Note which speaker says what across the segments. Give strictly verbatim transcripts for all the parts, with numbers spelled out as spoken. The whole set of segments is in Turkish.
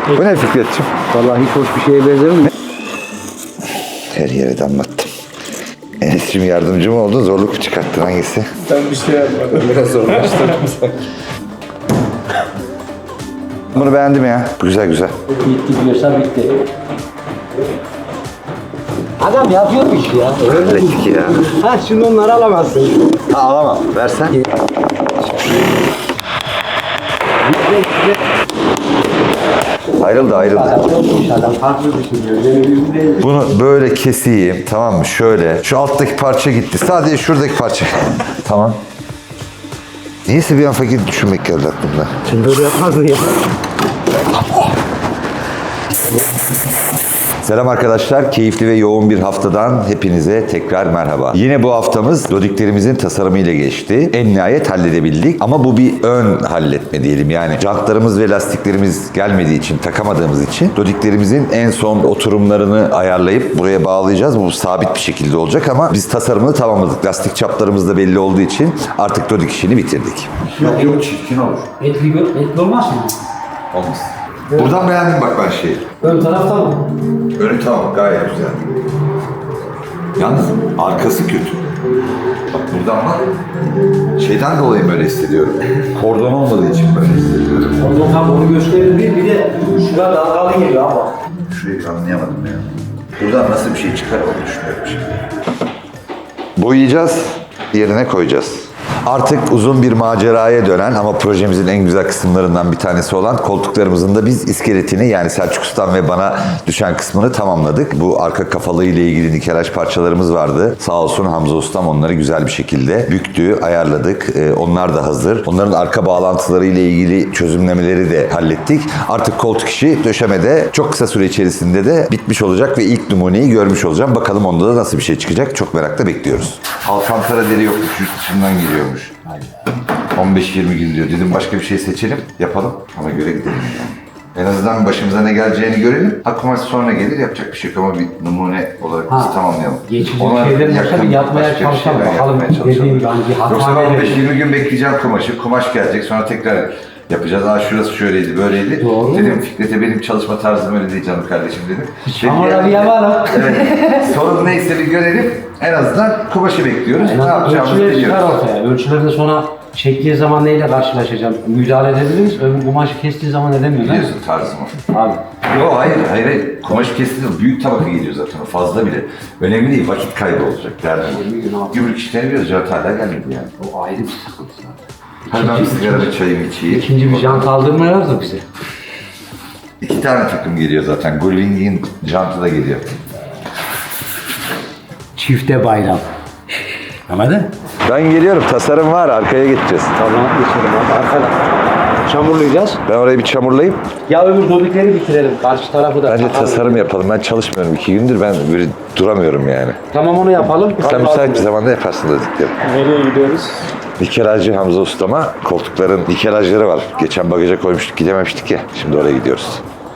Speaker 1: Bu ne Fikret'ciğim?
Speaker 2: Vallahi hiç hoş bir şeye benzemiyor.
Speaker 1: Her yere damlattım. Enes'cim yardımcı mı oldun? Zorluk mu çıkarttın? Hangisi?
Speaker 3: Ben bir şey yapmadım. Biraz zorlaştırdım sanki.
Speaker 1: Bunu beğendim ya. Güzel güzel.
Speaker 2: Bitti diyorsa bitti. Adam yapıyormuş ya.
Speaker 1: Hallettik ya.
Speaker 2: Ha şimdi onları alamazsın.
Speaker 1: Ha, alamam. Versen. Ayrıldı ayrıldı.
Speaker 2: Adam farklı düşünüyor.
Speaker 1: Bunu böyle keseyim, tamam mı? Şöyle. Şu alttaki parça gitti. Sadece şuradaki parça. Tamam. Niyeyse bir an fakir düşünmek geldi aklımda.
Speaker 2: Sen böyle yapmazdın ya.
Speaker 1: Selam arkadaşlar. Keyifli ve yoğun bir haftadan hepinize tekrar merhaba. Yine bu haftamız dodiklerimizin tasarımıyla geçti. En nihayet halledebildik. Ama bu bir ön halletme diyelim. Yani jantlarımız ve lastiklerimiz gelmediği için, takamadığımız için dodiklerimizin en son oturumlarını ayarlayıp buraya bağlayacağız. Bu sabit bir şekilde olacak ama biz tasarımını tamamladık. Lastik çaplarımız da belli olduğu için artık dodik işini bitirdik. Yok yok çirkin olur.
Speaker 2: Etli, etli olmaz mı?
Speaker 1: Olmaz. Buradan beğendim bak ben şeyi.
Speaker 2: Ön tarafta mı?
Speaker 1: Önü tamam, gayet güzel. Yalnız arkası kötü. Bak buradan bak. Şeyden dolayı böyle hissediyorum. Kordon olmadığı için böyle hissediyorum.
Speaker 2: Ondan tam onu gösterir bir, bir de şurada dalgalı geliyor ama.
Speaker 1: Şurayı anlayamadım ya. Buradan nasıl bir şey çıkar onu düşünüyorum şimdi. Boyayacağız, yerine koyacağız. Artık uzun bir maceraya dönen ama projemizin en güzel kısımlarından bir tanesi olan koltuklarımızın da biz iskeletini, yani Selçuk Ustam ve bana düşen kısmını tamamladık. Bu arka kafalığı ile ilgili nikelaj parçalarımız vardı. Sağ olsun Hamza Ustam onları güzel bir şekilde büktü, ayarladık. Ee, onlar da hazır. Onların arka bağlantıları ile ilgili çözümlemeleri de hallettik. Artık koltuk işi döşemede çok kısa süre içerisinde de bitmiş olacak ve ilk numuneyi görmüş olacağım. Bakalım onda da nasıl bir şey çıkacak. Çok merakla bekliyoruz. Alcantara deri yokmuş, yurt dışından geliyor. on beş yirmi gün diyor. Dedim başka bir şey seçelim, yapalım. Ona göre gidelim yani. En azından başımıza ne geleceğini görelim. Ha kumaş sonra gelir, yapacak bir şey yok ama bir numune olarak
Speaker 2: Ha,
Speaker 1: biz tamamlayalım.
Speaker 2: Geçici şeylerin yoksa bir yapmaya çalışalım. Bakalım dediğim gibi hangi hata
Speaker 1: Yoksa ben on beş
Speaker 2: verir.
Speaker 1: yirmi gün bekleyeceğim kumaşı. Kumaş gelecek, sonra tekrar yapacağız. Aa şurası şöyleydi, böyleydi.
Speaker 2: Doğru.
Speaker 1: Dedim Fikret'e benim çalışma tarzım öyle değil canım kardeşim dedim.
Speaker 2: Ama bir yapalım.
Speaker 1: Evet. Sorun neyse bir görelim. En azından kumaşı bekliyoruz.
Speaker 2: En
Speaker 1: Ne
Speaker 2: azından
Speaker 1: yapacağımızı
Speaker 2: ölçüleri çıkar
Speaker 1: biliyoruz.
Speaker 2: ortaya. Ölçüleri de sonra çektiği zaman neyle karşılaşacağım? Müdahale edebiliriz. Öbür kumaşı kestiği zaman edemiyoruz. ha?
Speaker 1: Biliyorsun tarzımı.
Speaker 2: Abi.
Speaker 1: Yok hayır, hayır, hayır. Kumaş kesildi. Büyük tabaka geliyor zaten. O fazla bile. Önemli değil. Vakit kaybı olacak. Derdim.
Speaker 2: yirmi gün abi.
Speaker 1: Gümrük işlerini biliyoruz. Cevap hala gelmedi yani.
Speaker 2: O ayrı bir sıkıntı zaten.
Speaker 1: Hadi ben bir sigara ve çayımı içeyim.
Speaker 2: İkinci bir jant aldırmıyorlar da bize.
Speaker 1: İki tane takım geliyor zaten. Gullwing'in jantı da geliyor.
Speaker 2: Çifte bayram. Anladın?
Speaker 1: Ben geliyorum. Tasarım var. Arkaya geçeceğiz.
Speaker 2: Tamam geçelim abi arkada. Çamurlayacağız.
Speaker 1: Ben orayı bir çamurlayayım.
Speaker 2: Ya öbür dodikleri bitirelim. Karşı tarafı da.
Speaker 1: Bence
Speaker 2: takalım.
Speaker 1: tasarım yapalım. Ben çalışmıyorum iki gündür. Ben böyle duramıyorum yani.
Speaker 2: Tamam onu yapalım.
Speaker 1: Sen müsait bir zamanda yaparsın dedikleri.
Speaker 3: Nereye gidiyoruz?
Speaker 1: Nikelajcı Hamza Usta'ma koltukların nikelajları var. Geçen bagaja koymuştuk, gidememiştik ya. Şimdi oraya gidiyoruz.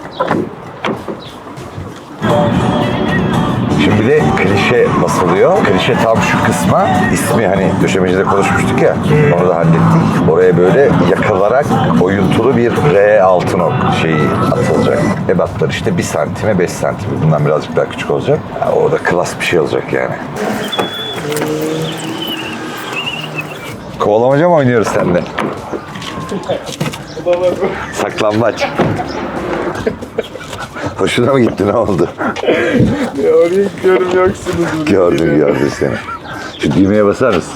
Speaker 1: Şimdi bir de klişe basılıyor. Klişe tam şu kısma, ismi hani döşemecide konuşmuştuk ya, onu da hallettik. Oraya böyle yakılarak oyuntulu bir R altın ok şeyi atılacak. Ebatlar işte bir santime beş santim. Bundan birazcık daha küçük olacak. Ya orada klas bir şey olacak yani. Kovalamaca mı oynuyoruz seninle? Saklambaç. Hoşuna mı gitti, ne oldu?
Speaker 3: Ya oraya gidiyorum yoksunuz.
Speaker 1: Gördüm gördüm seni. Şu düğmeye basar mısın?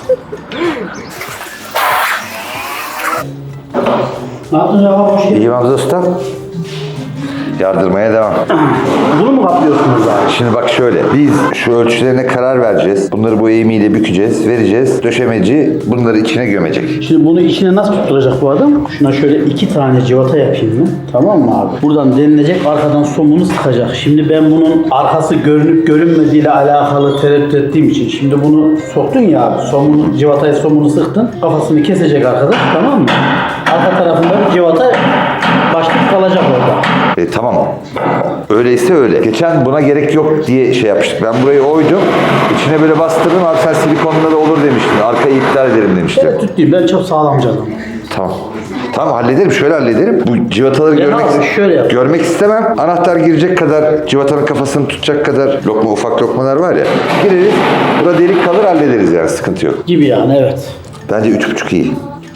Speaker 2: Ne yaptın ya? Hoş geldin.
Speaker 1: İyi Hamza Usta. Yardırmaya devam.
Speaker 2: Bunu mu kaplıyorsunuz abi?
Speaker 1: Şimdi bak şöyle, biz şu ölçülerine karar vereceğiz. Bunları bu eğimiyle bükeceğiz, vereceğiz. Döşemeci bunları içine gömecek.
Speaker 4: Şimdi bunu içine nasıl tutturacak bu adam? Şuna şöyle iki tane civata yapayım mı? Tamam mı abi? Buradan denilecek, arkadan somunu sıkacak. Şimdi ben bunun arkası görünüp görünmediğiyle alakalı tereddüt ettiğim için şimdi bunu soktun ya abi. Somunu, civataya somunu sıktın. Kafasını kesecek arkadaş, tamam mı? Arka tarafında bir civata başlık kalacak orada.
Speaker 1: E, tamam. Öyleyse öyle. Geçen buna gerek yok diye şey yapmıştık. Ben burayı oydum. İçine böyle bastırdım. Abi sen silikonla da olur demiştin. Arkayı iptal ederim demiştin.
Speaker 4: Evet, tutayım. Ben çok sağlamcı adamım.
Speaker 1: Tamam. Tamam hallederim. Şöyle hallederim. Bu civataları
Speaker 4: Ya
Speaker 1: görmek,
Speaker 4: abi, şöyle yap.
Speaker 1: görmek istemem. Anahtar girecek kadar, civatanın kafasını tutacak kadar lokma, ufak lokmalar var ya. Gireriz. Burada delik kalır hallederiz yani. Sıkıntı yok.
Speaker 4: Gibi yani evet.
Speaker 1: Bence üç buçuk iyi.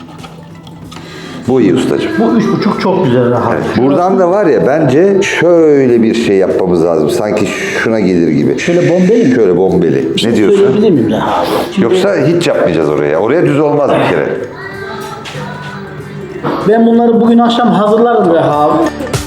Speaker 1: Bu iyi ustacığım.
Speaker 4: Bu üç buçuk çok güzel rahat.
Speaker 1: Evet. Buradan da var ya bence şöyle bir şey yapmamız lazım. Sanki şuna gelir gibi.
Speaker 4: Şöyle bombeli mi?
Speaker 1: Şöyle bombeli.
Speaker 4: Bir şey
Speaker 1: Ne diyorsun?
Speaker 4: söyleyebilir miyim Reha abi? Şimdi
Speaker 1: Yoksa hiç yapmayacağız oraya. Oraya düz olmaz bir kere.
Speaker 4: ben bunları bugün akşam hazırlarım Reha abi.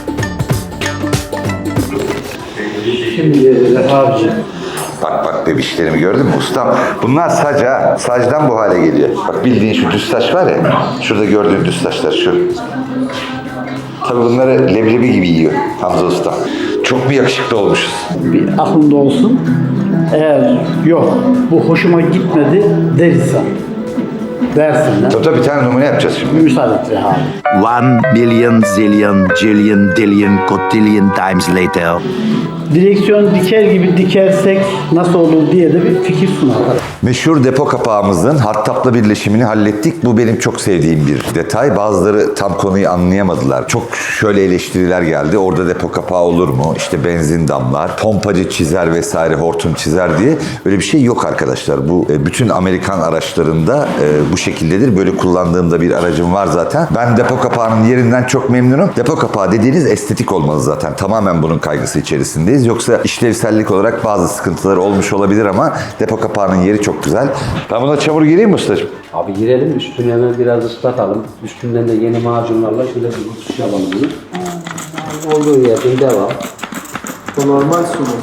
Speaker 4: Şimdi Reha abiciğim.
Speaker 1: Bak bak bebişlerimi gördün mü ustam? Bunlar saç ha. Sacdan bu hale geliyor. Bak bildiğin şu düz saç var ya. Şurada gördüğün düz saçlar şu. Tabii bunları leblebi gibi yiyor Hamza Usta. Çok mu yakışıklı olmuşuz?
Speaker 4: Bir aklımda olsun. Eğer yok bu hoşuma gitmedi dersen. Dersin lan.
Speaker 1: Tabii tabii bir tane numune yapacağız şimdi.
Speaker 4: Müsaade et Reha abi.
Speaker 5: One billion zillion jillion dillion cotillion times later.
Speaker 4: Direksiyon diker gibi dikersek nasıl olur diye de bir fikir sunar.
Speaker 1: Meşhur depo kapağımızın hattapla birleşimini hallettik. Bu benim çok sevdiğim bir detay. Bazıları tam konuyu anlayamadılar. Çok şöyle eleştiriler geldi. Orada depo kapağı olur mu? İşte benzin damlar, pompacı çizer vesaire, hortum çizer diye. Öyle bir şey yok arkadaşlar. Bu e, bütün Amerikan araçlarında e, bu şekildedir. Böyle kullandığımda bir aracım var zaten. Ben depo kapağının yerinden çok memnunum. Depo kapağı dediğiniz estetik olmalı zaten. Tamamen bunun kaygısı içerisindeyiz. Yoksa işlevsellik olarak bazı sıkıntıları olmuş olabilir ama depo kapağının yeri çok güzel. Ben buna çamur gireyim mi ustacığım?
Speaker 2: Abi girelim üstünü hemen biraz ıslatalım. Üstünden de yeni macunlarla şöyle bir tutuş yapalım bunu. Olduğu yerden devam.
Speaker 3: Bu normal su mu?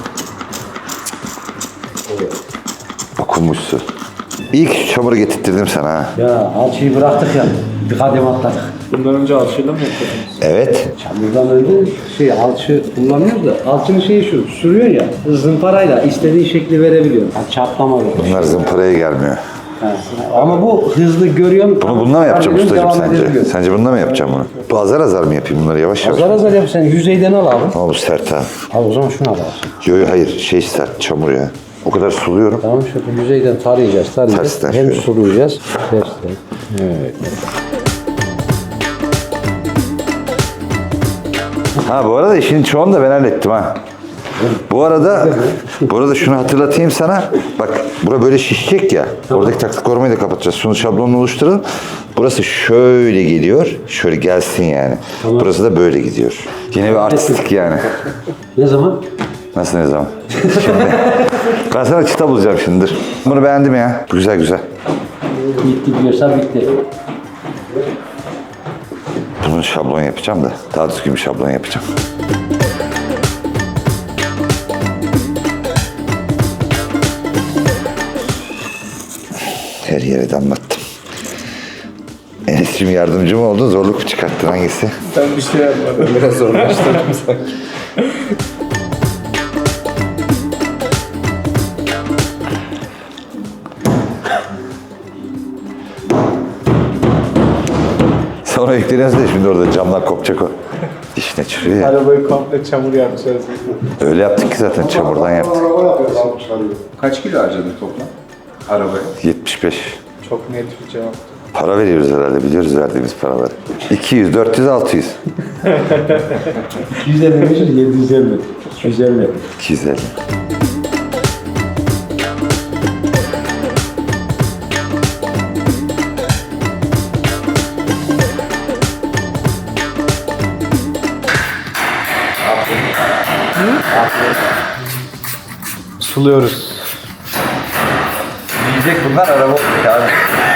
Speaker 1: Okunmuş su. İyi ki şu çamuru getirttirdim sana ha.
Speaker 2: Ya alçıyı bıraktık ya. Bir kadem atladık.
Speaker 3: Bundan önce alçıyla mı yapıyordunuz?
Speaker 1: Evet.
Speaker 2: Çamurdan önce şey alçı kullanıyoruz da alçının şeyi şu sürüyor ya zımparayla istediği şekli verebiliyor. Ha, çatlama yok.
Speaker 1: Bunlar zımparaya gelmiyor.
Speaker 2: Ha, ama bu hızlı görüyorum.
Speaker 1: Bunu bununla mı yapacağım
Speaker 2: Devam
Speaker 1: ustacığım sence?
Speaker 2: edebiliyor.
Speaker 1: Sence bununla mı yapacağım bunu? Bu azar azar mı yapayım bunları yavaş yavaş?
Speaker 2: Azar azar yap sen yüzeyden al abi.
Speaker 1: Ama bu sert ha.
Speaker 2: Al o zaman şunu al abi.
Speaker 1: Yo yo hayır şey sert çamur ya. O kadar suluyorum.
Speaker 2: Tamam şöyle yüzeyden tarayacağız tarayacağız.
Speaker 1: Tersten
Speaker 2: Hem
Speaker 1: şöyle.
Speaker 2: sulayacağız. Tersten. Evet.
Speaker 1: Ha bu arada işin çoğunu da ben hallettim ha. Bu arada bu arada şunu hatırlatayım sana. Bak bura böyle şişecek ya. Oradaki taktik korumayı da kapatacağız. Şunu şablonunu oluşturalım. Burası şöyle geliyor. Şöyle gelsin yani. Burası da böyle gidiyor. Yine bir artistik yani.
Speaker 2: Ne zaman?
Speaker 1: Nasıl ne zaman? Şimdi. Ben sana çıta bulacağım şimdi. Dur. Bunu beğendim ya. Güzel güzel.
Speaker 2: Bitti diyorsa bitti.
Speaker 1: Bunu şablon yapacağım da. Daha düzgün bir şablon yapacağım. Her yere damlattım. Enes'cim yardımcı mı oldun? Zorluk mu çıkarttın? Hangisi?
Speaker 3: Ben bir şey yapmadım. Biraz zorlaştırdım sanki.
Speaker 1: Sonra ekleniyorsun da şimdi orada camlar kopacak o. Dişine çürüyor ya.
Speaker 3: Arabayı komple çamur yapacağız.
Speaker 1: Öyle yaptık ki zaten çamurdan yaptık.
Speaker 3: Kaç kilo harcadın toplam? Arabaya.
Speaker 1: yetmiş beş.
Speaker 3: Çok net bir cevap.
Speaker 1: Para veriyoruz herhalde. Biliyoruz verdiğimiz paraları. iki yüz, dört yüz, altı yüz.
Speaker 2: iki yüz elli beş, yedi yüz elli. iki yüz elli.
Speaker 1: iki yüz elli.
Speaker 2: Suluyoruz.
Speaker 1: Yiyecek bunlar araba abi.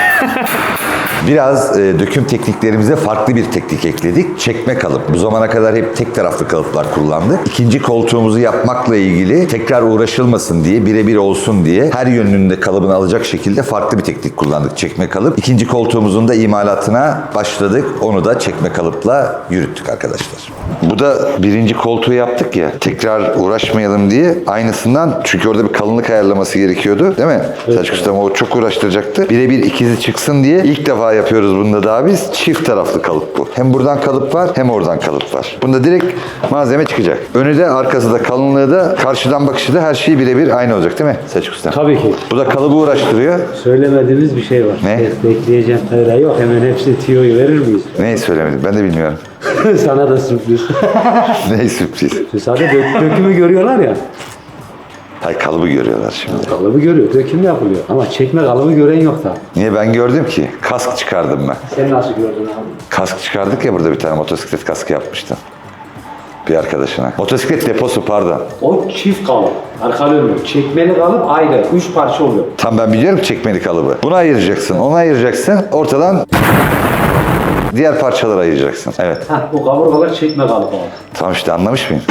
Speaker 1: Biraz e, döküm tekniklerimize farklı bir teknik ekledik. Çekme kalıp. Bu zamana kadar hep tek taraflı kalıplar kullandık. İkinci koltuğumuzu yapmakla ilgili tekrar uğraşılmasın diye, birebir olsun diye her yönünde kalıbını alacak şekilde farklı bir teknik kullandık. Çekme kalıp. İkinci koltuğumuzun da imalatına başladık. Onu da çekme kalıpla yürüttük arkadaşlar. Bu da birinci koltuğu yaptık ya. Tekrar uğraşmayalım diye aynısından, çünkü orada bir kalınlık ayarlaması gerekiyordu. Değil mi? Evet. Selçuk Ustam o çok uğraştıracaktı. Birebir ikizi çıksın diye ilk defa yapıyoruz bunda daha biz. Çift taraflı kalıp bu. Hem buradan kalıp var hem oradan kalıp var. Bunda direkt malzeme çıkacak. Önü de arkası da kalınlığı da karşıdan bakışı da her şey birebir aynı olacak değil mi Selçuk Usta?
Speaker 2: Tabii ki.
Speaker 1: Bu da kalıbı uğraştırıyor.
Speaker 2: Söylemediğimiz bir şey var.
Speaker 1: Ne?
Speaker 2: Bekleyeceğim tayra yok. Hemen hepsi tiyoyu verir miyiz?
Speaker 1: Neyi söylemedim ben de bilmiyorum.
Speaker 2: Sana da sürpriz.
Speaker 1: Neyi sürpriz?
Speaker 2: Sadece dök- dökümü görüyorlar ya.
Speaker 1: Hay kalıbı görüyorlar şimdi.
Speaker 2: Kalıbı görüyor. Döküm yapılıyor. Ama çekme kalıbı gören yok da.
Speaker 1: Niye ben gördüm ki? Kask çıkardım ben.
Speaker 2: Sen nasıl gördün abi?
Speaker 1: Kask çıkardık ya burada bir tane motosiklet kaskı yapmıştım. Bir arkadaşına. Motosiklet deposu pardon.
Speaker 2: O çift kalıp. Arka önlü. Çekmeli kalıp ayrı. Üç parça oluyor.
Speaker 1: Tam ben biliyorum çekmeli kalıbı. Bunu ayıracaksın, onu ayıracaksın. Ortadan diğer parçaları ayıracaksın. Evet.
Speaker 2: Heh, bu kaburgalar çekme kalıp abi.
Speaker 1: Tamam işte anlamış mıyım?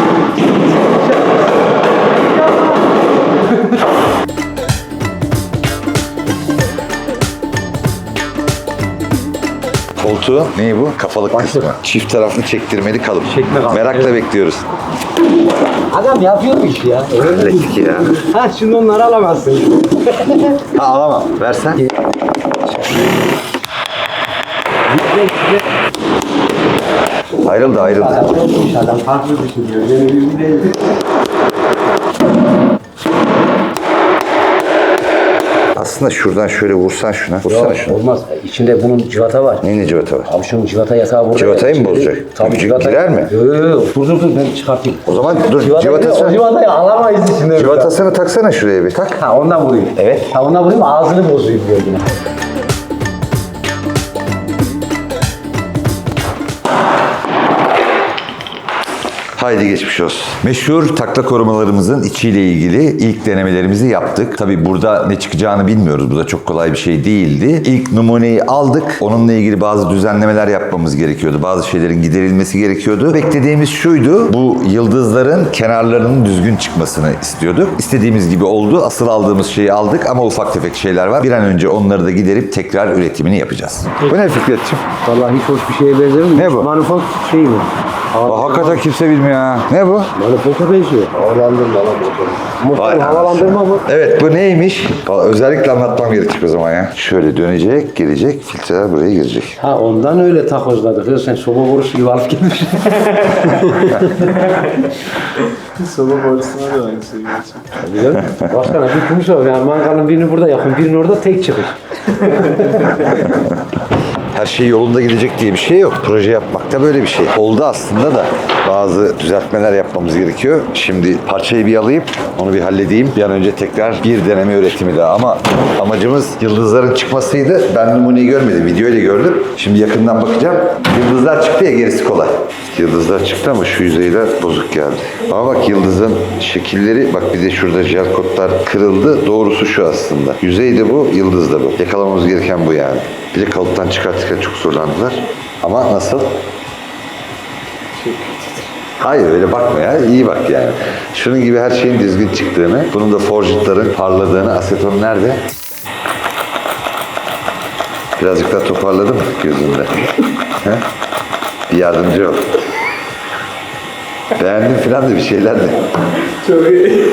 Speaker 1: Koltuğu ne bu? Kafalık kısmı. Çift taraflı çektirmeli kalıp.
Speaker 2: Çekme kalıp,
Speaker 1: Merakla
Speaker 2: evet.
Speaker 1: bekliyoruz.
Speaker 2: Adam yapıyor bu işi ya.
Speaker 1: Hallettik ya.
Speaker 2: Ha şimdi onları alamazsın.
Speaker 1: Ha alamam. Versen. Ayrıldı ayrıldı.
Speaker 2: Adam çokmuş adam. Farklı düşünüyor. Benim gibi değil.
Speaker 1: Aslında şuradan şöyle vursan şuna. Vursana şuna.
Speaker 2: Olmaz. İçinde bunun civata var.
Speaker 1: Neyin civata var?
Speaker 2: Abi şunun civata yatağı burada.
Speaker 1: Civatayı mı
Speaker 2: Şimdi-
Speaker 1: bozacak?
Speaker 2: Tabii civata.
Speaker 1: Girer mi?
Speaker 2: Yok yok yok. Dur dur dur ben çıkartayım.
Speaker 1: O zaman dur
Speaker 2: Civatayı,
Speaker 1: civatası.
Speaker 2: o civatayı alamayız içinde.
Speaker 1: Civatasını taksana şuraya bir. Tak.
Speaker 2: Ha ondan vurayım.
Speaker 1: Evet.
Speaker 2: Ha ondan vurayım ağzını bozayım diyor yine.
Speaker 1: Haydi geçmiş olsun. Meşhur takla korumalarımızın içiyle ilgili ilk denemelerimizi yaptık. Tabii burada ne çıkacağını bilmiyoruz. Bu da çok kolay bir şey değildi. İlk numuneyi aldık. Onunla ilgili bazı düzenlemeler yapmamız gerekiyordu. Bazı şeylerin giderilmesi gerekiyordu. Beklediğimiz şuydu. Bu yıldızların kenarlarının düzgün çıkmasını istiyorduk. İstediğimiz gibi oldu. Asıl aldığımız şeyi aldık ama ufak tefek şeyler var. Bir an önce onları da giderip tekrar üretimini yapacağız. Bu ne Fikretciğim?
Speaker 2: Vallahi hiç hoş bir şeye benzemiyor.
Speaker 1: Ne bu?
Speaker 2: Manifold şey mi?
Speaker 1: Aa, hakikaten kimse bilmiyor ha. Ne bu?
Speaker 2: Manifolda benziyor. Havalandırma lan motor.
Speaker 1: Vay
Speaker 2: Motor havalandırma mı?
Speaker 1: Evet bu neymiş? Vallahi özellikle anlatmam gerekecek o zaman ya. Şöyle dönecek, gelecek, filtreler buraya girecek.
Speaker 2: Ha ondan öyle takozladık. Ya sen soba borusu gibi alıp gelmiş.
Speaker 3: Soba borusuna da aynısı gerçekten.
Speaker 2: Biliyor musun? Başkana bir kumus var. Yani mangalın birini burada yakın, birini orada tek çıkış.
Speaker 1: Her şey yolunda gidecek diye bir şey yok. Proje yapmak da böyle bir şey. Oldu aslında da bazı düzeltmeler yapmamız gerekiyor. Şimdi parçayı bir alayım, onu bir halledeyim. Bir an önce tekrar bir deneme üretimi daha. Ama amacımız yıldızların çıkmasıydı. Ben numuneyi görmedim, videoyla gördüm. Şimdi yakından bakacağım. Yıldızlar çıktı ya gerisi kolay. Yıldızlar çıktı ama şu yüzeyler bozuk geldi. Ama bak yıldızın şekilleri, bak bir de şurada jel kotlar kırıldı. Doğrusu şu aslında. Yüzey de bu, yıldız da bu. Yakalamamız gereken bu yani. Bir de kalıptan çıkartırken çok zorlandılar. Ama nasıl? Hayır öyle bakma ya. İyi bak yani. Şunun gibi her şeyin düzgün çıktığını, bunun da forjitlerin parladığını, aseton nerede? Birazcık daha toparladım gözümde. He? Bir yardımcı ol. Beğendim falan da bir şeyler de.
Speaker 3: Çok iyi.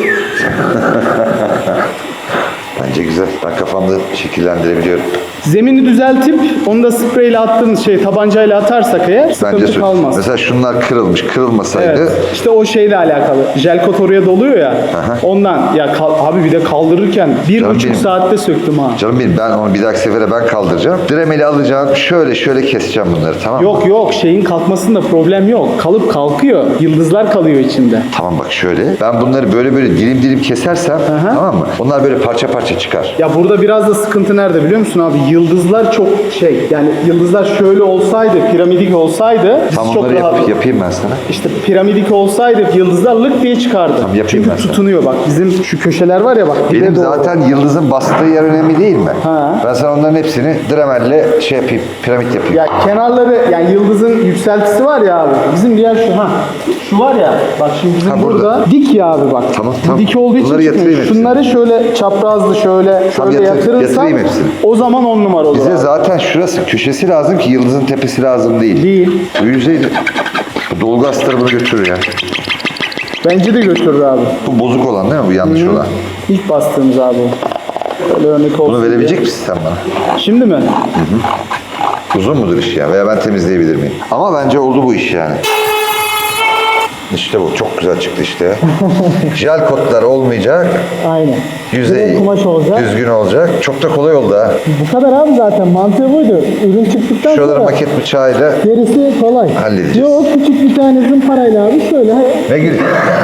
Speaker 1: Bence güzel. Ben kafamda şekillendirebiliyorum.
Speaker 6: Zemini düzeltip onu da spreyle attığımız şey tabancayla atarsak eğer sıkıntı
Speaker 1: Bence
Speaker 6: kalmaz.
Speaker 1: mesela şunlar kırılmış. Kırılmasaydı
Speaker 6: Evet. İşte o şeyle alakalı. Jel kot oraya doluyor ya. Ondan ya kal- abi bir de kaldırırken bir
Speaker 1: Canım
Speaker 6: buçuk
Speaker 1: benim.
Speaker 6: saatte söktüm ha.
Speaker 1: canım benim ben onu bir dahaki sefere ben kaldıracağım. Dremeli alacağım. Şöyle şöyle keseceğim bunları tamam mı?
Speaker 6: Yok yok şeyin kalkmasında problem yok. Kalıp kalkıyor. Yıldızlar kalıyor içinde.
Speaker 1: Tamam bak şöyle. Ben bunları böyle böyle dilim dilim kesersem
Speaker 6: Aha.
Speaker 1: tamam mı? Onlar böyle parça parça çıkar.
Speaker 6: Ya burada biraz da sıkıntı nerede biliyor musun abi? Yıldızlar çok şey yani yıldızlar şöyle olsaydı, piramidik olsaydı biz
Speaker 1: Tamam
Speaker 6: çok
Speaker 1: onları
Speaker 6: rahat...
Speaker 1: yap, yapayım ben sana.
Speaker 6: İşte piramidik olsaydı yıldızlar lık diye çıkardı.
Speaker 1: Tamam, yapayım
Speaker 6: Çünkü
Speaker 1: ben sana.
Speaker 6: tutunuyor bak. Bizim şu köşeler var ya bak. dibe
Speaker 1: Benim
Speaker 6: doğru.
Speaker 1: zaten yıldızın bastığı yer önemli değil mi?
Speaker 6: Ha.
Speaker 1: Ben sana onların hepsini dremelle şey yapayım, piramit yapayım.
Speaker 6: Ya kenarları yani yıldızın yükseltisi var ya abi. Bizim diğer şu ha. Şu var ya bak şimdi bizim
Speaker 1: Ha,
Speaker 6: burada.
Speaker 1: burada.
Speaker 6: dik ya abi bak.
Speaker 1: Tamam,
Speaker 6: Bu
Speaker 1: tamam.
Speaker 6: dik olduğu için
Speaker 1: Bunları
Speaker 6: çıkmıyor.
Speaker 1: yatırayım hepsini.
Speaker 6: Şunları şöyle çaprazlı şöyle
Speaker 1: Tamam,
Speaker 6: şöyle
Speaker 1: yatır-
Speaker 6: yatırırsan
Speaker 1: yatırayım hepsini.
Speaker 6: o zaman on numara olur.
Speaker 1: Bize
Speaker 6: abi.
Speaker 1: zaten şurası köşesi lazım ki yıldızın tepesi lazım değil.
Speaker 6: Değil.
Speaker 1: Bu yüzeydi. Bu dolgu astarı bunu götürür ya.
Speaker 6: Bence de götürür abi.
Speaker 1: Bu bozuk olan değil mi? Bu yanlış olan.
Speaker 6: İlk bastığımız abi o. Böyle örnek olsun
Speaker 1: Bunu
Speaker 6: diye.
Speaker 1: verebilecek misin sen bana?
Speaker 6: Şimdi mi?
Speaker 1: Uzun mudur iş ya? Veya ben temizleyebilir miyim? Ama bence oldu bu iş yani. İşte bu. Çok güzel çıktı işte. Jel kotlar olmayacak.
Speaker 7: Aynen.
Speaker 1: Yüzey
Speaker 7: Direkt kumaş olacak.
Speaker 1: düzgün olacak. Çok da kolay oldu ha.
Speaker 7: Bu kadar abi zaten. Mantığı buydu. Ürün çıktıktan
Speaker 1: Şuraları
Speaker 7: sonra
Speaker 1: maket bıçağıyla
Speaker 7: gerisi kolay.
Speaker 1: halledeceğiz.
Speaker 7: Yok, küçük bir tane zımparayla abi şöyle.
Speaker 1: ne gül?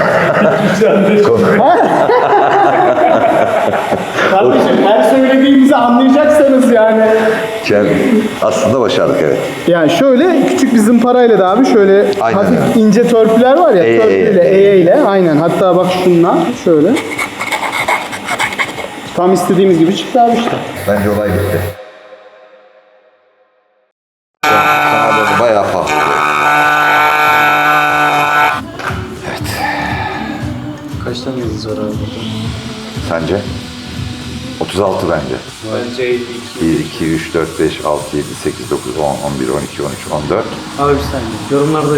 Speaker 6: Kardeşim her söylediğimizi anlayacaksanız yani.
Speaker 1: Gel. Aslında başardık evet.
Speaker 6: Yani şöyle küçük bir zımparayla da abi şöyle
Speaker 1: Aynen
Speaker 6: hafif
Speaker 1: öyle.
Speaker 6: ince törpüler var ya,
Speaker 1: Eye,
Speaker 6: törpüyle,
Speaker 1: eye,
Speaker 6: eye ile aynen. Hatta bak şunla şöyle. Tam istediğimiz gibi çıktı abi işte.
Speaker 1: Bence olay bitti. Kanalları bayağı pahalı.
Speaker 3: Kaç tane yıldız var abi burada?
Speaker 1: Sence? otuz altı bence.
Speaker 3: Bence elli iki.
Speaker 1: bir, iki, üç, dört, beş, altı, yedi, sekiz, dokuz, on, on bir, on iki, on üç, on dört.
Speaker 3: Abi bir saniye. Yorumlarda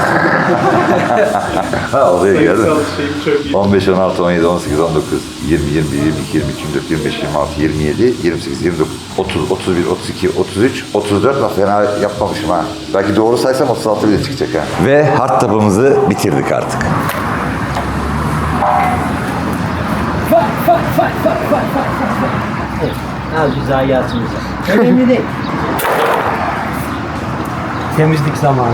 Speaker 1: Ha oluyor gördün mü?
Speaker 3: şey çok iyi.
Speaker 1: on beş, on altı, on yedi, on sekiz, on dokuz, yirmi, yirmi bir, yirmi iki, yirmi üç, yirmi dört, yirmi beş, yirmi altı, yirmi yedi, yirmi sekiz, yirmi dokuz, otuz, otuz bir, otuz iki, otuz üç, otuz dört. Bak fena yapmamışım ha. Belki doğru saysam otuz altı bile çıkacak ha. Ve hardtop'ımızı bitirdik artık.
Speaker 2: Az biz hayatımıza. Önemli değil. Temizlik zamanı.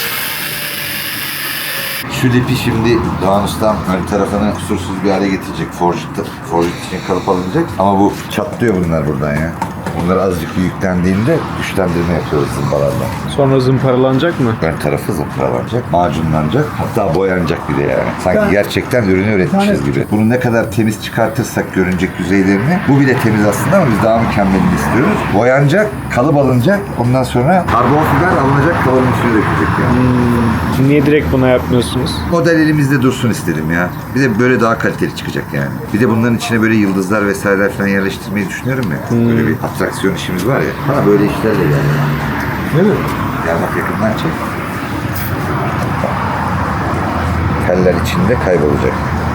Speaker 1: Şu lipi şimdi Doğan Ustam ön tarafını kusursuz bir hale getirecek. Forjit, forjit için kalıp alınacak. Ama bu çatlıyor bunlar buradan ya. Bunlar azıcık bir yüklendiğinde güçlendirme yapıyoruz zımbalarla.
Speaker 3: Sonra zımparalanacak mı?
Speaker 1: Ön tarafı zımparalanacak, macunlanacak, hatta boyanacak bir de yani. Sanki gerçekten ürünü üretmişiz gibi. Bunu ne kadar temiz çıkartırsak görünecek yüzeylerini, bu bile temiz aslında ama biz daha mükemmelini istiyoruz. Boyanacak, kalıp alınacak, ondan sonra karbon fiber alınacak, kalıbın üstüne dökülecek yani.
Speaker 3: Hmm. Niye direkt buna yapmıyorsunuz?
Speaker 1: Model elimizde dursun istedim ya. Bir de böyle daha kaliteli çıkacak yani. Bir de bunların içine böyle yıldızlar vesaireler falan yerleştirmeyi düşünüyorum ya. Böyle bir atraksiyon işimiz var ya. Bana böyle işlerle geldi.
Speaker 2: Değil mi?
Speaker 1: Gel bak yakından çek. Teller içinde kaybolacak.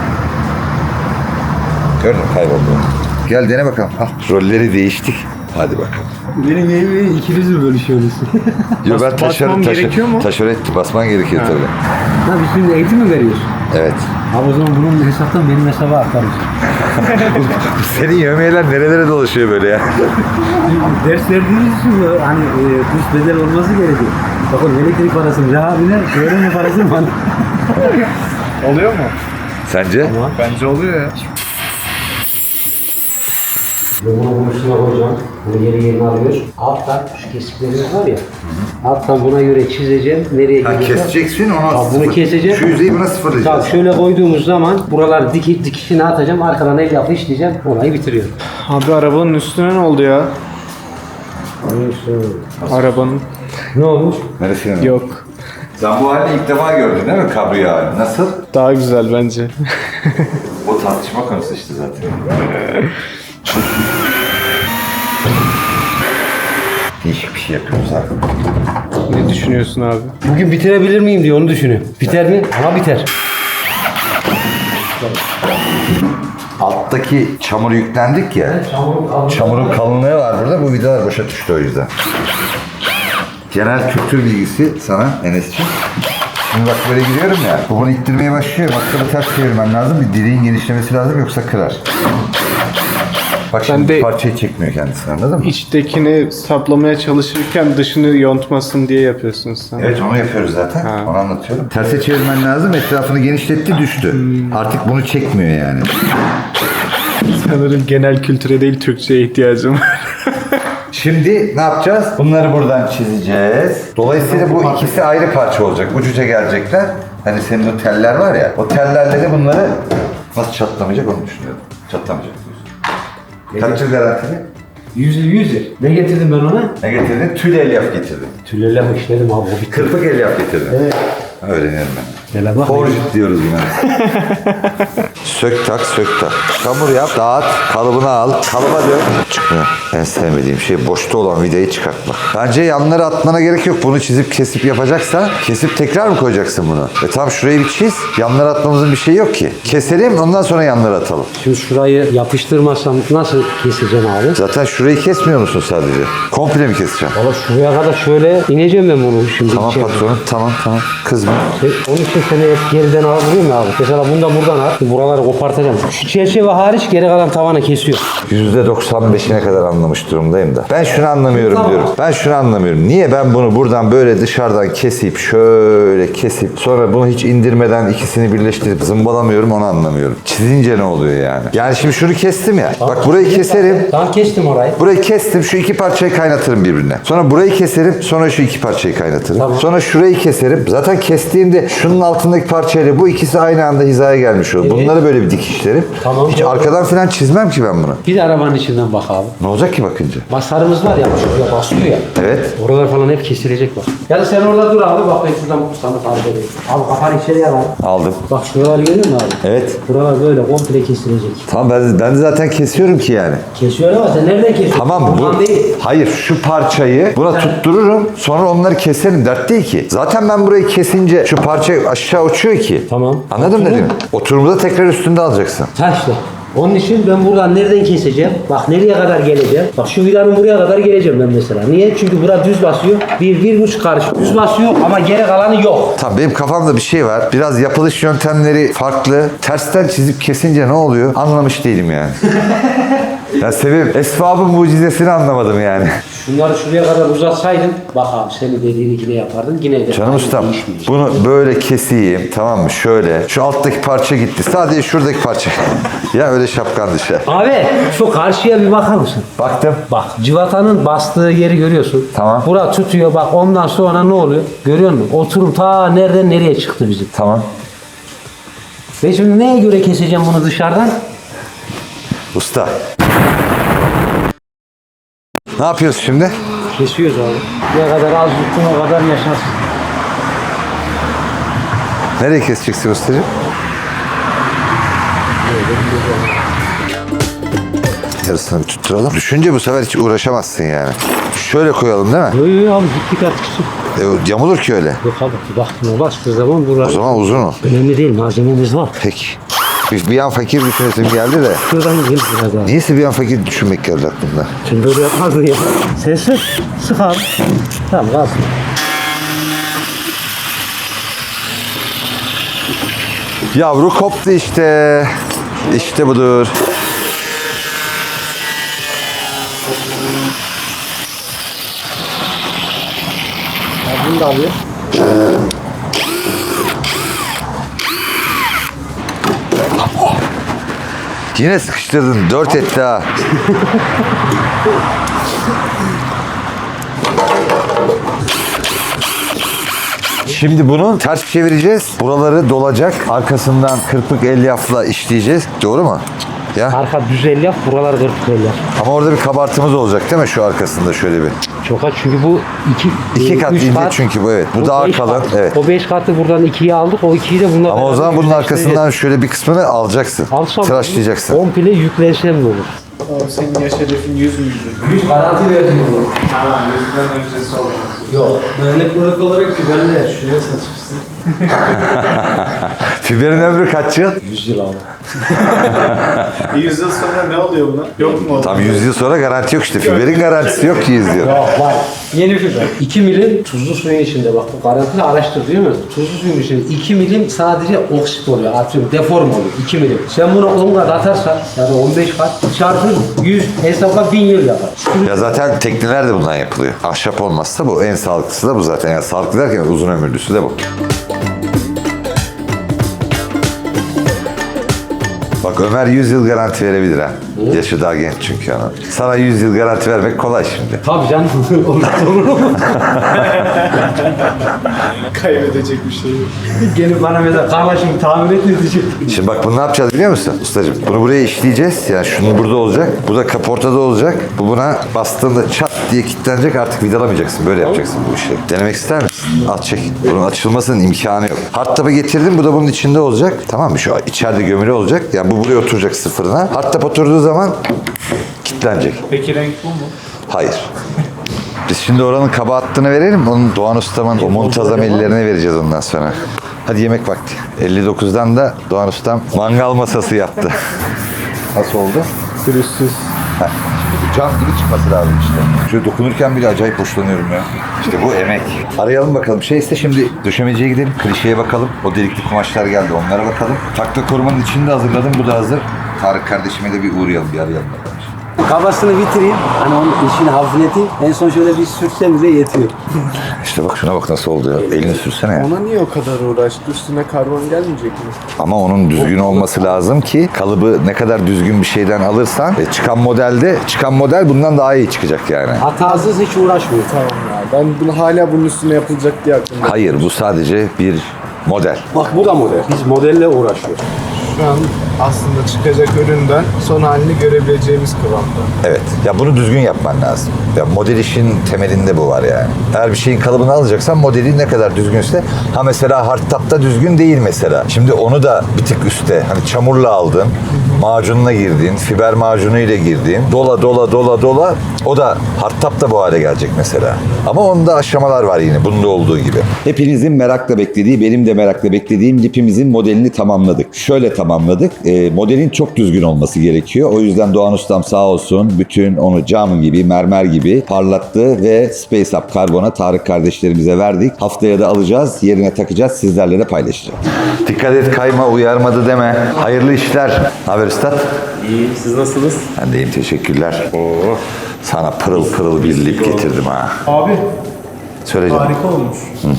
Speaker 1: Gördün mü? Kayboldu. Gel dene bakalım. Ah, rolleri değiştik. Hadi bakalım.
Speaker 2: Benim evimi ikiniz mi bölüşüyorsunuz?
Speaker 1: Yo ben taşarı,
Speaker 3: basmam
Speaker 1: taşarı,
Speaker 3: gerekiyor mu?
Speaker 1: taşarı etti. Basman gerekiyor tabii.
Speaker 2: Ha biz şimdi eğitim mi veriyoruz?
Speaker 1: Evet.
Speaker 2: Abi o zaman bunun hesaptan benim hesaba aktarız.
Speaker 1: Senin yövmeyeler nerelere dolaşıyor böyle ya?
Speaker 2: Ders verdiğiniz için bu hani e, kurs bedel olması gerekiyor. Bakın elektrik parası mı? Abine öğrenme parası mı?
Speaker 3: Oluyor mu?
Speaker 1: Sence?
Speaker 3: Bence oluyor ya.
Speaker 2: Bunu boşuna koyacağım. Bunu yeri yerine alıyoruz. Alttan şu kesiklerimiz var ya. Alttan buna göre çizeceğim. Nereye
Speaker 1: Ha,
Speaker 2: gidecek?
Speaker 1: keseceksin onu
Speaker 2: Tamam, bunu
Speaker 1: sıfır-
Speaker 2: keseceğim.
Speaker 1: Şu yüzeyi buna sıfırlayacağız.
Speaker 2: Tamam şöyle koyduğumuz zaman buralar diki, dikişini atacağım. Arkadan el yapı işleyeceğim. Olayı bitiriyorum.
Speaker 3: Abi arabanın üstüne ne oldu ya? Arabanın.
Speaker 2: Ne olmuş?
Speaker 1: Neresi?
Speaker 3: Yok.
Speaker 1: Sen bu halini ilk defa gördün değil mi kabriyo halini? Nasıl?
Speaker 3: Daha güzel bence.
Speaker 1: O tartışma konusu işte zaten. Değişik bir şey yapıyoruz abi.
Speaker 3: Ne düşünüyorsun abi?
Speaker 2: Bugün bitirebilir miyim diye onu düşünüyorum. Biter mi? Ama biter.
Speaker 1: Alttaki çamur yüklendik ya.
Speaker 2: Çamurun kalınlığı.
Speaker 1: Çamurun kalınlığı var burada. Bu vidalar boşa düştü o yüzden. Genel kültür bilgisi sana Enes'ciğim. Şimdi bak böyle gidiyorum ya. Bu bunu ittirmeye başlıyor. Maktabı ters çevirmen lazım. Bir direğin genişlemesi lazım yoksa kırar. Bak şimdi
Speaker 3: de-
Speaker 1: parçayı çekmiyor kendisini anladın mı?
Speaker 3: İçtekini saplamaya çalışırken dışını yontmasın diye yapıyorsunuz sen.
Speaker 1: Evet onu yapıyoruz zaten.
Speaker 3: Ha.
Speaker 1: Onu anlatıyorum. Terse çevirmen lazım. Etrafını genişletti düştü. Artık bunu çekmiyor yani.
Speaker 3: Sanırım genel kültüre değil Türkçe'ye ihtiyacım var.
Speaker 1: Şimdi ne yapacağız? Bunları buradan çizeceğiz. Dolayısıyla bu ikisi ayrı parça olacak. Ucuca gelecekler. Hani senin o teller var ya. O tellerle de bunları nasıl çatlamayacak onu düşünüyorum. Çatlamayacak diyorsun. Kaç yıl garantili?
Speaker 2: Yüzü yüzü. Ne getirdim ben ona?
Speaker 1: Ne getirdin? Tül elyaf getirdin.
Speaker 2: Tülelem işledim abi o bitti.
Speaker 1: Kırpık elyaf getirdin.
Speaker 2: Evet.
Speaker 1: Öğrenirim ben.
Speaker 2: Hele bak.
Speaker 1: Forjit diyoruz buna. Sök tak, sök tak. Çamur yap, dağıt, kalıbını al, kalıba dök. Çıkmıyor. En sevmediğim şey boşta olan vidayı çıkartmak. Bence yanları atmana gerek yok. Bunu çizip kesip yapacaksa kesip tekrar mı koyacaksın bunu? E tamam şurayı bir çiz. Yanları atmamızın bir şeyi yok ki. Keselim ondan sonra yanları atalım.
Speaker 2: Şimdi şurayı yapıştırmazsam nasıl keseceğim abi?
Speaker 1: Zaten şurayı kesmiyor musun sadece? Komple mi keseceksin?
Speaker 2: Valla şuraya kadar şöyle ineceğim ben bunu şimdi.
Speaker 1: Tamam
Speaker 2: içeri.
Speaker 1: patronum, tamam tamam. Kızma.
Speaker 2: Şey, onun için seni hep geriden alabiliyor mu abi? Mesela bundan buradan al. Buraları kopartacağım. Şu çerçeve hariç geri kalan tavana kesiyor.
Speaker 1: yüzde doksan beşine kadar anlamış durumdayım da. Ben şunu anlamıyorum
Speaker 2: Tamam.
Speaker 1: diyorum. Ben şunu anlamıyorum. Niye ben bunu buradan böyle dışarıdan kesip şöyle kesip sonra bunu hiç indirmeden ikisini birleştirip zımbalamıyorum onu anlamıyorum. Çizince ne oluyor yani? Yani şimdi şunu kestim ya. Bak burayı keserim.
Speaker 2: Tamam kestim orayı.
Speaker 1: Burayı kestim. Şu iki parçayı kaynatırım birbirine. Sonra burayı keserim. Sonra şu iki parçayı kaynatırım.
Speaker 2: Tamam.
Speaker 1: Sonra şurayı keserim. Zaten kestiğimde şunun altındaki parçayla bu ikisi aynı anda hizaya gelmiş olur.
Speaker 2: Evet.
Speaker 1: Bunları böyle bir dikişlerim.
Speaker 2: Tamam.
Speaker 1: Hiç arkadan falan çizmem ki ben bunu.
Speaker 2: Bir de arabanın içinden bak abi.
Speaker 1: Ne olacak ki bakınca?
Speaker 2: Masarımız var ya şuraya basıyor ya.
Speaker 1: Evet.
Speaker 2: Oralar falan hep kesilecek bak. Ya da sen orada dur abi bak ben şuradan sana tarif edeyim. Abi kafanı içeriye al.
Speaker 1: Aldım.
Speaker 2: Bak şuraları görüyor musun abi?
Speaker 1: Evet.
Speaker 2: Buralar böyle komple kesilecek.
Speaker 1: Tamam ben, ben de zaten kesiyorum ki yani.
Speaker 2: Kesiyor ama sen nereden kesiyorsun?
Speaker 1: Tamam bu.
Speaker 2: Buradan değil.
Speaker 1: Hayır şu parçayı buna tuttururum. Sonra onları keserim. Dert değil ki. Zaten ben burayı kesince şu parça aşağı uçuyor ki.
Speaker 2: Tamam.
Speaker 1: Anladın mı
Speaker 2: Oturum.
Speaker 1: dedim? Oturumda tekrar üstünde alacaksın.
Speaker 2: Ha işte. Onun için ben buradan nereden keseceğim? Bak nereye kadar geleceğim? Bak şu vidanın buraya kadar geleceğim ben mesela. Niye? Çünkü bura düz basıyor. Bir, bir buçuk karış düz basıyor ama geri kalanı yok.
Speaker 1: Tamam benim kafamda bir şey var. Biraz yapılış yöntemleri farklı. Tersten çizip kesince ne oluyor? Anlamış değilim yani. Ya Sevim, esbabın mucizesini anlamadım yani.
Speaker 2: Şunları şuraya kadar uzatsaydın bak abi senin dediğini yine yapardın. Yine de
Speaker 1: Canım
Speaker 2: aynı
Speaker 1: ustam
Speaker 2: değişmeyecek.
Speaker 1: bunu böyle keseyim tamam mı? Şöyle. Şu alttaki parça gitti. Sadece şuradaki parça. Ya öyle şapkan dışı.
Speaker 2: Abi şu karşıya bir bakar mısın?
Speaker 1: Baktım.
Speaker 2: Bak civatanın bastığı yeri görüyorsun.
Speaker 1: Tamam.
Speaker 2: Bura tutuyor bak ondan sonra ne oluyor? Görüyor musun? Oturum ta nereden nereye çıktı bizim.
Speaker 1: Tamam.
Speaker 2: Ve şimdi neye göre keseceğim bunu dışarıdan?
Speaker 1: Usta. Ne yapıyoruz şimdi?
Speaker 2: Kesiyoruz abi. Ne kadar az yuttun o kadar yaşarsın.
Speaker 1: Nereye keseceksin ustacığım? Yarısını bir tutturalım. Düşünce bu sefer hiç uğraşamazsın yani. Şöyle koyalım değil mi?
Speaker 2: Yok yok abi gittik artık.
Speaker 1: E, yamulur ki öyle.
Speaker 2: Yok abi baktığına bastığı zaman
Speaker 1: O
Speaker 2: buralar
Speaker 1: zaman uzun o.
Speaker 2: önemli değil malzememiz var.
Speaker 1: Peki. Bir, bir an fakir düşünesim geldi de.
Speaker 2: Şuradan gel biraz abi.
Speaker 1: Niyeyse bir an fakir düşünmek geldi aklımda.
Speaker 2: Şimdi böyle yapmazdın ya. Sen sık. Sık abi. Tamam kalsın.
Speaker 1: Yavru koptu işte. İşte budur.
Speaker 2: Bunu da alıyor.
Speaker 1: Yine sıkıştırdın. Dört etti ha. Şimdi bunu ters çevireceğiz. Buraları dolacak. Arkasından kırpık elyafla işleyeceğiz. Doğru mu? Ya.
Speaker 2: Arka düz el yap, buralar kırk el yap.
Speaker 1: Ama orada bir kabartımız olacak değil mi şu arkasında şöyle bir?
Speaker 2: Çok az çünkü bu iki,
Speaker 1: İki
Speaker 2: e,
Speaker 1: kat
Speaker 2: üç
Speaker 1: ince çünkü bu, evet. Bu
Speaker 2: O
Speaker 1: daha
Speaker 2: beş
Speaker 1: kalın,
Speaker 2: kat.
Speaker 1: evet.
Speaker 2: O beş katı buradan ikiye aldık, o ikiyi de bununla
Speaker 1: Ama o
Speaker 2: beraber
Speaker 1: zaman bunun
Speaker 2: yüzleştireceğiz.
Speaker 1: arkasından şöyle bir kısmını alacaksın.
Speaker 2: Alsam
Speaker 1: Tıraşlayacaksın.
Speaker 2: komple yüklensem de olur.
Speaker 3: Abi senin yaş hedefin yüz müydü?
Speaker 2: yüz garanti verdim onu.
Speaker 3: Tamam, yüzden öncesi olmaz.
Speaker 2: Yok. Örnek olarak olarak güvenle şuraya saçmışsın.
Speaker 1: Fiberin ömrü kaç yıl?
Speaker 2: yüz yıl abi.
Speaker 3: yüz yıl sonra ne oluyor buna? Yok mu?
Speaker 1: Tam yüz yıl sonra garanti yok işte. Fiberin garantisi yok ki yüz yıl.
Speaker 2: Yok var. Yeni fiber. iki milim tuzlu suyun içinde bak bu garantili araştır değil mi? Tuzlu suyun içinde iki milim sadece oksit oluyor. Atıyorum deform oluyor. iki milim. Sen bunu on kat atarsan ya da on beş kat çarpı yüz hesapla bin yıl yapar.
Speaker 1: Ya zaten tekneler de bundan yapılıyor. Ahşap olmazsa bu en sağlıklısı da bu zaten. Yani sağlıklı derken uzun ömürlüsü de bu. Bak Ömer yüz yıl garanti verebilir ha. Yaşı daha genç çünkü ana. Sana yüz yıl garanti vermek kolay şimdi.
Speaker 2: Tabii canım. Olur mu?
Speaker 3: Kaybedecek bir şey yok.
Speaker 2: Gelip bana mesela kardeşim tamir et diyecek.
Speaker 1: Şimdi bak bunu ne yapacağız biliyor musun ustacığım? Bunu buraya işleyeceğiz. Yani şunu burada olacak. Bu da kaportada olacak. Bu buna bastığında çat diye kilitlenecek. Artık vidalamayacaksın. Böyle yapacaksın bu işi. Denemek ister misin? Al çek. Bunun açılmasının imkanı yok. Hardtop'u getirdim. Bu da bunun içinde olacak. Tamam mı? Şu içeride gömülü olacak. Yani bu buraya oturacak sıfırına. Hardtop oturduğu zaman kilitlenecek.
Speaker 3: Peki renk bu mu?
Speaker 1: Hayır. Biz şimdi oranın kaba hattını verelim. Onun Doğan Ustam'ın o muntazam ellerine vereceğiz ondan sonra. Hadi yemek vakti. elli dokuzdan da Doğan Ustam mangal masası yaptı. Nasıl oldu?
Speaker 3: Pürüzsüz.
Speaker 1: Heh. Cam gibi çıkması lazım işte. Şöyle dokunurken bile acayip hoşlanıyorum ya. İşte bu emek. Arayalım bakalım. Şey ise şimdi döşemeciye gidelim. Klişeye bakalım. O delikli kumaşlar geldi. Onlara bakalım. Takla korumanın içini de hazırladım. Bu da hazır. Tarık kardeşime de bir uğrayalım. Bir arayalım bakalım.
Speaker 2: Kabasını bitireyim. Hani onun işini hafifleteyim. En son şöyle bir sürsem bile yetiyor.
Speaker 1: İşte bak şuna bak nasıl oldu ya. Elini sürsene ya.
Speaker 3: Ona niye o kadar uğraştı? Üstüne karbon gelmeyecek mi?
Speaker 1: Ama onun düzgün olması lazım ki kalıbı ne kadar düzgün bir şeyden alırsan e, çıkan modelde çıkan model bundan daha iyi çıkacak yani.
Speaker 2: Hatasız hiç uğraşmıyor.
Speaker 3: Tamam ya. Ben bunu hala bunun üstüne yapılacak diye aklımda.
Speaker 1: Hayır bu sadece bir model.
Speaker 2: Bak bu da model. Biz modelle uğraşıyoruz.
Speaker 3: Şu an aslında çıkacak üründen son halini görebileceğimiz kıvamda.
Speaker 1: Evet. Ya bunu düzgün yapman lazım. Ya model işin temelinde bu var yani. Eğer bir şeyin kalıbını alacaksan modeli ne kadar düzgünse ha mesela hardtop'ta düzgün değil mesela. Şimdi onu da bir tık üstte hani çamurla aldın, macununa girdin, fiber macunuyla girdin. Dola dola dola dola o da hardtop'ta bu hale gelecek mesela. Ama onda aşamalar var yine bunda olduğu gibi. Hepinizin merakla beklediği, benim de merakla beklediğim lipimizin modelini tamamladık. Şöyle tamamladık. E, modelin çok düzgün olması gerekiyor. O yüzden Doğan Ustam sağ olsun bütün onu cam gibi, mermer gibi parlattı ve Space Up Karbon'a Tarık kardeşlerimize verdik. Haftaya da alacağız, yerine takacağız, sizlerle de paylaşacağız. Dikkat et kayma, uyarmadı deme. Hayırlı işler. Ne haber üstad?
Speaker 8: İyi, siz nasılsınız?
Speaker 1: Ben de iyiyim, teşekkürler. Oo. Sana pırıl pırıl bir lip getirdim ha.
Speaker 3: Abi
Speaker 1: Söyle canım.
Speaker 3: harika olmuş.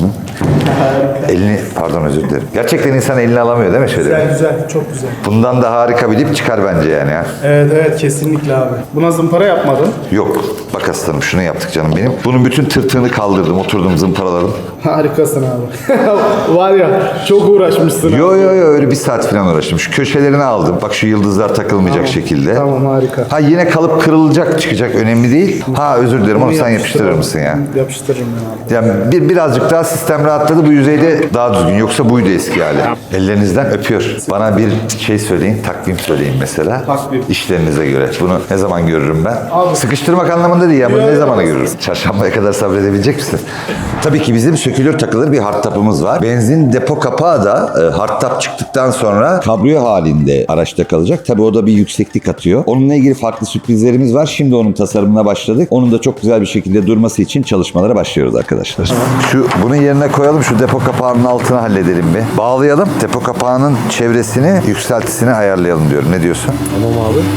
Speaker 1: Elini, pardon özür dilerim. Gerçekten insan elini alamıyor değil mi şöyle?
Speaker 3: Güzel güzel, çok güzel.
Speaker 1: Bundan da harika bir lip çıkar bence yani ya.
Speaker 3: Evet evet, kesinlikle abi. Buna zımpara yapmadın.
Speaker 1: Yok. Bak aslanım şunu yaptık canım benim. Bunun bütün tırtığını kaldırdım. Oturdum zımparaladım.
Speaker 3: Harikasın abi. Var ya, çok uğraşmışsın. abi.
Speaker 1: Yo yo yo öyle bir saat falan uğraştım. Şu köşelerini aldım. Bak şu yıldızlar takılmayacak şekilde.
Speaker 3: Tamam, harika.
Speaker 1: Ha yine kalıp kırılacak çıkacak önemli değil. Ha özür dilerim onu sen yapıştırır mısın ya?
Speaker 3: Yapıştırırım ben abi.
Speaker 1: Yani bir, birazcık daha sistem rahatladı. Bu yüzeyde daha düzgün. Yoksa buydu eski hali. Ellerinizden öpüyor. Bana bir şey söyleyin, takvim söyleyin mesela.
Speaker 3: Takvim.
Speaker 1: İşlerinize göre. Bunu ne zaman görürüm ben? Sıkıştırmak anlamında değil ya. Bunu ne zamana görürüm? Çarşambaya kadar sabredebilecek misin? Tabii ki bizim sökülür takılır bir hardtop'umuz var. Benzin depo kapağı da e, hardtop çıktıktan sonra kabriyo halinde araçta kalacak. Tabii o da bir yükseklik atıyor. Onunla ilgili farklı sürprizlerimiz var. Şimdi onun tasarımına başladık. Onun da çok güzel bir şekilde durması için çalışmalara başlıyoruz arkadaşlar. Şu bunun yerine koyalım. Şu depo kapağının altını halledelim bir. Bağlayalım. Depo kapağının çevresini, yükseltisini ayarlayalım diyorum. Ne diyorsun?
Speaker 2: Tamam abi.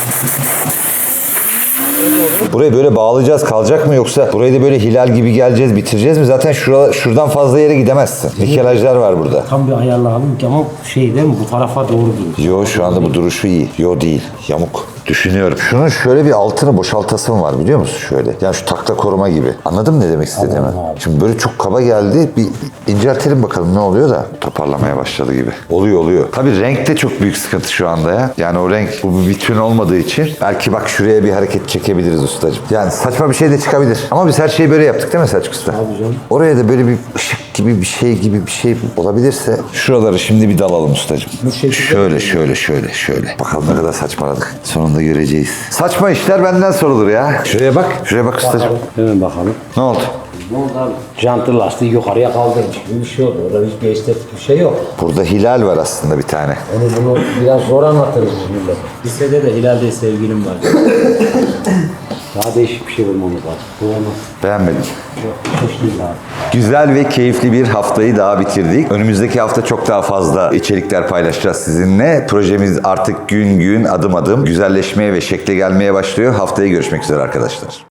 Speaker 1: Burayı böyle bağlayacağız kalacak mı yoksa burayı da böyle hilal gibi geleceğiz bitireceğiz mi? Zaten şura, şuradan fazla yere gidemezsin. Nikelajlar var burada.
Speaker 2: Tam bir ayarlayalım ki ama şey değil mi bu tarafa doğru duruyor.
Speaker 1: Yo şu anda bu duruşu iyi. Yo değil. Yamuk. Düşünüyorum. Şunun şöyle bir altını boşaltasım var biliyor musun şöyle? Yani şu takla koruma gibi. Anladın mı ne demek istediğimi? Şimdi böyle çok kaba geldi. Bir inceltelim bakalım ne oluyor da toparlamaya başladı gibi. Oluyor oluyor. Tabii renk de çok büyük sıkıntı şu anda ya. Yani o renk bu bir bütün olmadığı için belki bak şuraya bir hareket çekebiliriz ustacığım. Yani saçma bir şey de çıkabilir. Ama biz her şeyi böyle yaptık değil mi Selçuk Usta?
Speaker 2: Abi canım.
Speaker 1: Oraya da böyle bir ışık gibi bir şey gibi bir şey olabilirse şuraları şimdi bir dalalım ustacığım. Şöyle şöyle şöyle şöyle. Bakalım ne kadar saçmaladık. Sonunda göreceğiz. Saçma işler benden sorulur ya. Şuraya bak. Şuraya bak ustacığım.
Speaker 2: Hemen bakalım.
Speaker 1: Ne oldu?
Speaker 2: Ne oldu abi? Jantı lastiği yukarıya kaldırmış gibi bir şey oldu. Orada hiçbir estetik bir şey yok.
Speaker 1: Burada hilal var aslında bir tane.
Speaker 2: Onu bunu biraz zor anlatırız biz millet. Lisede de Hilal'de sevgilim var. Daha değişik bir şey bulmamız lazım. Bu olmaz.
Speaker 1: Beğenmedim.
Speaker 2: Çok hoş değil abi.
Speaker 1: Güzel ve keyifli bir haftayı daha bitirdik. Önümüzdeki hafta çok daha fazla içerikler paylaşacağız sizinle. Projemiz artık gün gün adım adım güzelleşmeye ve şekle gelmeye başlıyor. Haftaya görüşmek üzere arkadaşlar.